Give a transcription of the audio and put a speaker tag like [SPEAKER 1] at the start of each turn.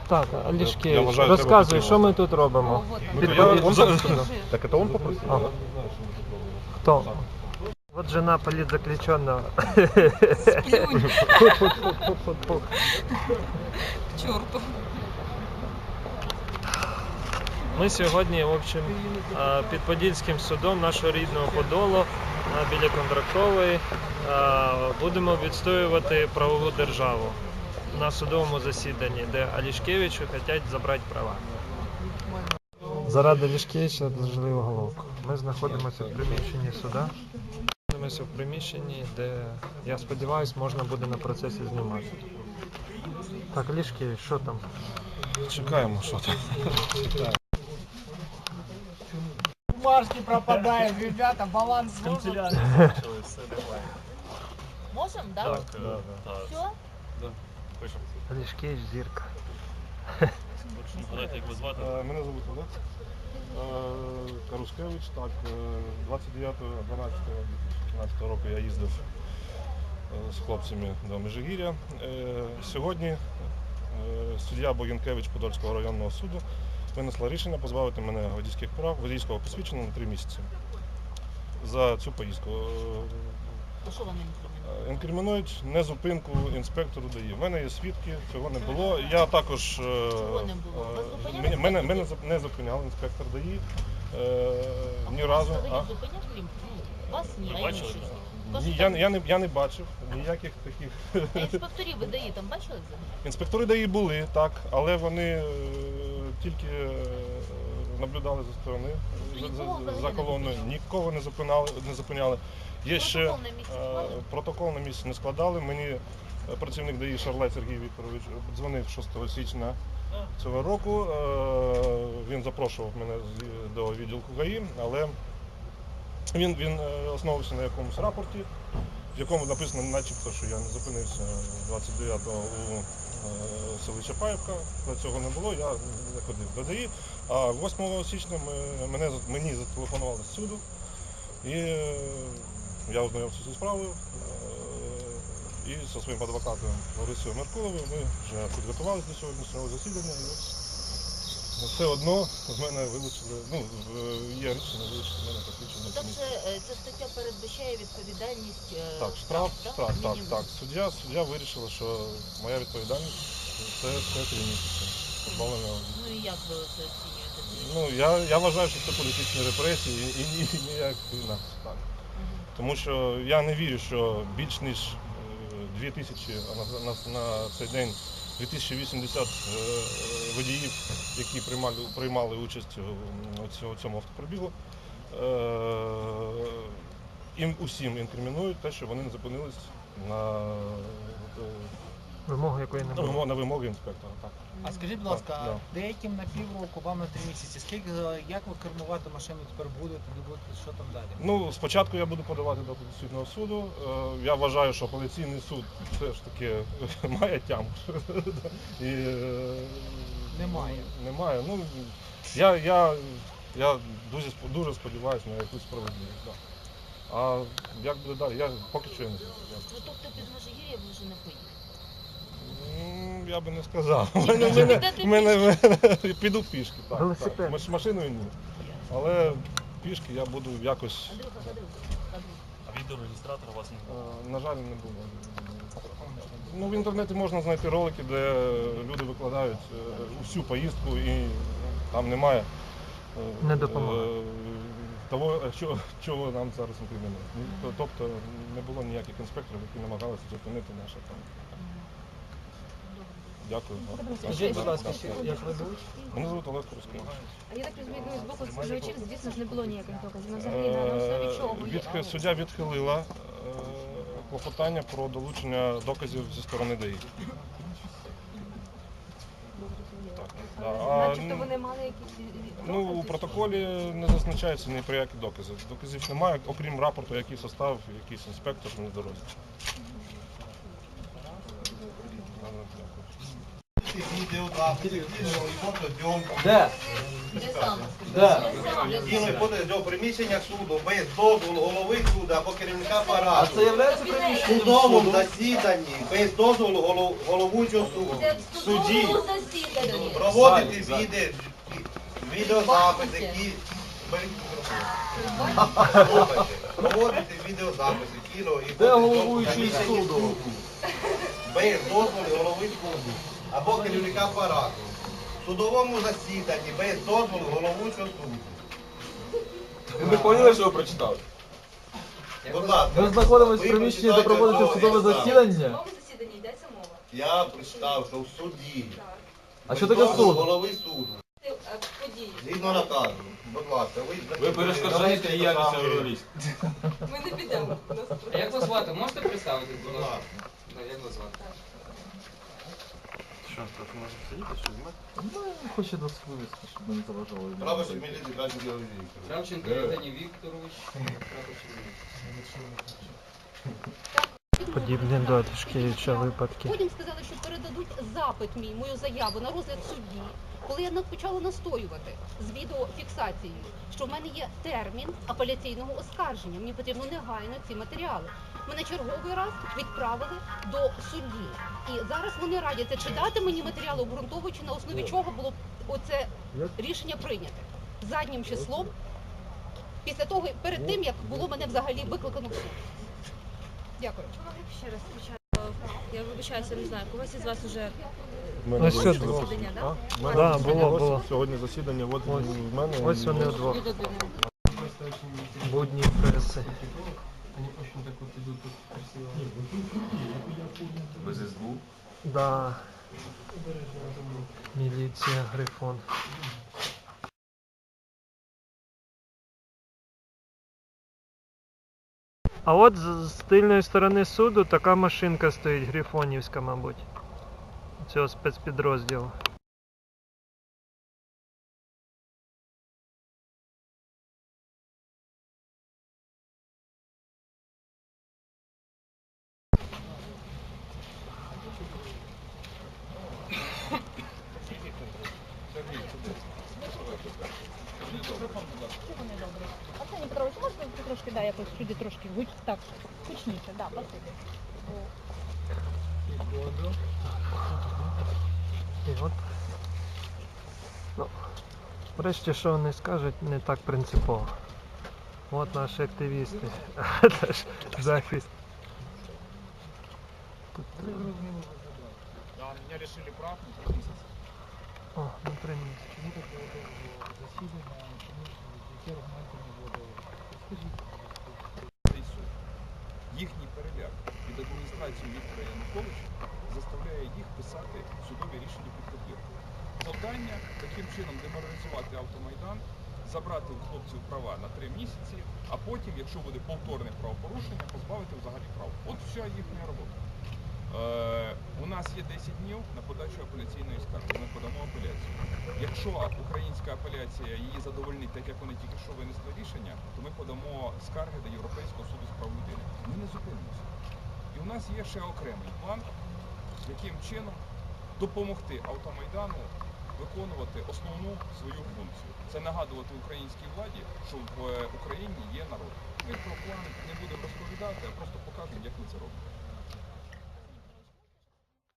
[SPEAKER 1] Так, Олешкевич,
[SPEAKER 2] Я вважаю,
[SPEAKER 1] розказуй,
[SPEAKER 2] треба
[SPEAKER 1] що ми тут робимо?
[SPEAKER 2] Так это он попросил?
[SPEAKER 1] Ага. Хто? Вот жена политзаключенного.
[SPEAKER 3] Сплюнь.
[SPEAKER 1] Фу-фу-фу-фу-фу.
[SPEAKER 3] К черту.
[SPEAKER 1] Ми сьогодні, в общем, під Подільським судом нашого рідного Подолу біля Контрактової будемо відстоювати правову державу на судовому засіданні, де Олешкевичу хочуть забрати права. Заради Олешкевича відложили уголовку. Ми знаходимося в приміщенні суда. Знаходимося в приміщенні, де, я сподіваюся, можна буде на процесі знімати. Так, Олешкевич, що там?
[SPEAKER 2] Чекаємо, що там. Чекаємо.
[SPEAKER 4] Бумажки пропадаем, ребята, баланс можем?
[SPEAKER 3] Можем, да?
[SPEAKER 1] Так,
[SPEAKER 3] Все?
[SPEAKER 1] Олешкевич, зірка.
[SPEAKER 5] Згадайте, як ви звати?
[SPEAKER 2] Мене звуть Олег Карускевич. Так, 29.12.2014 року я їздив з хлопцями до Межигір'я. Сьогодні суддя Богінкевич Подольського районного суду винесла рішення позбавити мене водійських прав, водійського посвідчення на 3 місяці за цю поїздку.
[SPEAKER 3] А що вам інкримінують?
[SPEAKER 2] Інкримінують незупинку інспектору ДАІ. В мене є свідки, цього не було. Я також...
[SPEAKER 3] Чого не було? Вас зупиняли?
[SPEAKER 2] Мене не зупиняв інспектор ДАІ ні разу.
[SPEAKER 3] Взагалі зупиняв крім? Вас ні, а
[SPEAKER 5] бачили?
[SPEAKER 3] інших?
[SPEAKER 2] Ні,
[SPEAKER 3] Кажуть,
[SPEAKER 2] я не бачив ніяких таких...
[SPEAKER 3] а інспекторів ви ДАІ там бачили взагалі?
[SPEAKER 2] Інспектори ДАІ були, так, але вони тільки наблюдали за сторони, за колоною, нікого не зупиняли. Є ще протокол на місці не складали. Мені працівник ДАІ Шарлай Сергій Вікторович дзвонив 6 січня цього року. Він запрошував мене до відділку ГАІ, але він основувався на якомусь рапорті, в якому написано начебто, що я не зупинився 29-го у селі Чапаївка. Цього не було, я не ходив до ДАІ. А 8 січня мені зателефонували з суду, і я ознайомився зі справою. І зі своїм адвокатом Ларисою Меркуловою ми вже підготувалися до сьогоднішнього засідання. І все одно з мене вилучили, є рішення вилучити з мене посвідчення.
[SPEAKER 3] Там же ця стаття передбачає відповідальність.
[SPEAKER 2] Так, штраф, так. Суддя вирішила, що моя відповідальність це 3 місяці. Позбавлення.
[SPEAKER 3] Ну і як ви це оцінюєте?
[SPEAKER 2] Я вважаю, що це політичні репресії і ніяк інакше. Так. Тому що я не вірю, що більш ніж 2000, а на цей день 2080 водіїв, які приймали участь у цьому автопробігу, їм усім інкримінують те, що вони не зупинились на
[SPEAKER 1] Вимогу якої не було.
[SPEAKER 2] на вимоги інспектора. Так.
[SPEAKER 4] А скажіть, будь ласка, деяким на півроку, вам на 3 місяці. Як ви кермувати машину тепер будете, що там далі?
[SPEAKER 2] Спочатку я буду подавати до Конституційного суду. Я вважаю, що апеляційний суд все ж таки має тямку.
[SPEAKER 4] Немає.
[SPEAKER 2] Немає. Я дуже сподіваюся на якусь справедливість. Да. А як буде далі? Я поки що не знаю.
[SPEAKER 3] Ну тобто під Межигір'я ви вже не поїхали?
[SPEAKER 2] Я би не сказав. Піду пішки.
[SPEAKER 1] Велосипед.
[SPEAKER 2] Машиною ні. Але пішки я буду якось...
[SPEAKER 3] Андрюха,
[SPEAKER 5] А відеореєстратора у вас не було?
[SPEAKER 2] На жаль, не було. В інтернеті можна знайти ролики, де люди викладають усю поїздку і там немає
[SPEAKER 1] Не допомагає.
[SPEAKER 2] того, чого нам зараз інкримінують. Тобто не було ніяких інспекторів, які намагалися зупинити наше там. Дякую.
[SPEAKER 4] Скажіть, будь ласка, як ви звуть?
[SPEAKER 2] Мене звуть Олег Карускевич.
[SPEAKER 6] А я так розумію, з боку споживачів, звісно ж, не було ніяких доказів. Ну, взагалі, на основі чого?
[SPEAKER 2] Суддя відхилила клопотання про долучення доказів зі сторони ДАІ.
[SPEAKER 6] Начебто вони мали якісь докази?
[SPEAKER 2] У протоколі не зазначається ні про які докази. Доказів немає, окрім рапорту, який составив якийсь інспектор на дорозі.
[SPEAKER 4] Де?
[SPEAKER 3] Де саме?
[SPEAKER 7] Да.
[SPEAKER 3] Де саме?
[SPEAKER 7] Тіло виходить до приміщення суду без дозволу голови суду або керівника
[SPEAKER 8] А
[SPEAKER 7] апарату.
[SPEAKER 8] це являється приміщенням
[SPEAKER 7] В судовому
[SPEAKER 8] суду?
[SPEAKER 7] засіданні без дозволу головуючого суду.
[SPEAKER 3] Це
[SPEAKER 7] В
[SPEAKER 3] в
[SPEAKER 7] суді
[SPEAKER 3] судовому засіданні.
[SPEAKER 7] проводити
[SPEAKER 8] Залі.
[SPEAKER 7] відеозапис, які беріть мікрофон. Проводити відеозаписи, кіно і
[SPEAKER 8] Де
[SPEAKER 7] фото-
[SPEAKER 8] головуючий
[SPEAKER 7] приміщення
[SPEAKER 8] суду?
[SPEAKER 7] без дозволу голови суду або керівника апарату. В судовому засіданні без дозволу головуючого суду.
[SPEAKER 8] Ви поняли, що ви прочитали?
[SPEAKER 7] Будь ласка,
[SPEAKER 8] Ми знаходимося в
[SPEAKER 7] ви
[SPEAKER 8] приміщенні, де
[SPEAKER 7] прочитайте
[SPEAKER 8] проводиться
[SPEAKER 7] слово
[SPEAKER 8] судове
[SPEAKER 7] «ексамен».
[SPEAKER 8] засідання.
[SPEAKER 6] засіданні йдеться мова.
[SPEAKER 7] Я прочитав, що в суді.
[SPEAKER 8] А що
[SPEAKER 7] без
[SPEAKER 8] таке
[SPEAKER 7] дозволу
[SPEAKER 8] суд?
[SPEAKER 7] голови суду.
[SPEAKER 6] Події.
[SPEAKER 7] Згідно наказу. Будь ласка,
[SPEAKER 8] Ви перешкоджаєте діяльність журналістів.
[SPEAKER 6] Ми не підемо.
[SPEAKER 9] А як вас звати? Можете представити, будь
[SPEAKER 7] Будь
[SPEAKER 9] ласка?
[SPEAKER 7] ласка.
[SPEAKER 9] Да, як вас звати?
[SPEAKER 5] Що, трохи може сидіти, що знімати?
[SPEAKER 8] Ну, хоче нас вивезти, щоб ми не заважали.
[SPEAKER 7] Право міліції Кравченко Георгій Вікторович.
[SPEAKER 9] Кравченко Євгеній Вікторович.
[SPEAKER 1] Подібні до Тишкевича випадки.
[SPEAKER 10] Потім сказали, що передадуть запит мій, мою заяву на розгляд судді. Коли я почала настоювати з відеофіксацією, що в мене є термін апеляційного оскарження, мені потрібно негайно ці матеріали. Мене черговий раз відправили до судді. І зараз вони радяться, чи дати мені матеріали, обґрунтовуючи на основі чого було оце рішення прийняте. Заднім числом, після того, перед тим, як було мене взагалі викликано в суд. Дякую.
[SPEAKER 6] Ще раз я вибачаюся, не знаю, когось із вас уже
[SPEAKER 1] Ось сюди.
[SPEAKER 6] засідання, да?
[SPEAKER 1] Да, було.
[SPEAKER 2] Сьогодні засідання, от в мене.
[SPEAKER 1] Ось вони вдвох. Будні преси.
[SPEAKER 8] Без СБУ?
[SPEAKER 1] Да. Міліція, Грифон. А от з тильної сторони суду така машинка стоїть, грифонівська, мабуть. Цього спецпідрозділу.
[SPEAKER 10] Арсеній Петрович, можна трошки, да, якось сюди трошки так, гучніше, да, спасибі.
[SPEAKER 1] І от. Ну, врешті, що вони скажуть, не так принципово. От наші активісти. Теж захист.
[SPEAKER 4] Да, меня лишили прав на 3 месяца.
[SPEAKER 1] О, на 3 місяці.
[SPEAKER 4] Чому так довго засідання, чому яке аргументи не було? Скажіть.
[SPEAKER 11] Цей суд. Їхній переляк від адміністрації Віктора Януковича заставляє їх писати судові рішення під копірку. Завдання таким чином деморалізувати автомайдан, забрати у хлопців права на 3 місяці, а потім, якщо буде повторне правопорушення, позбавити взагалі прав. От вся їхня робота. У нас є 10 днів на подачу апеляційної скарги. Ми подамо апеляцію. Якщо українська апеляція її задовольнить, так як вони тільки що винесли рішення, то ми подамо скарги до Європейського суду з прав людини. Ми не зупинимося. І у нас є ще окремий план, яким чином допомогти автомайдану виконувати основну свою функцію. Це нагадувати українській владі, що в Україні є народ. Ми про план не будемо розповідати, а просто покажемо, як ми це робимо.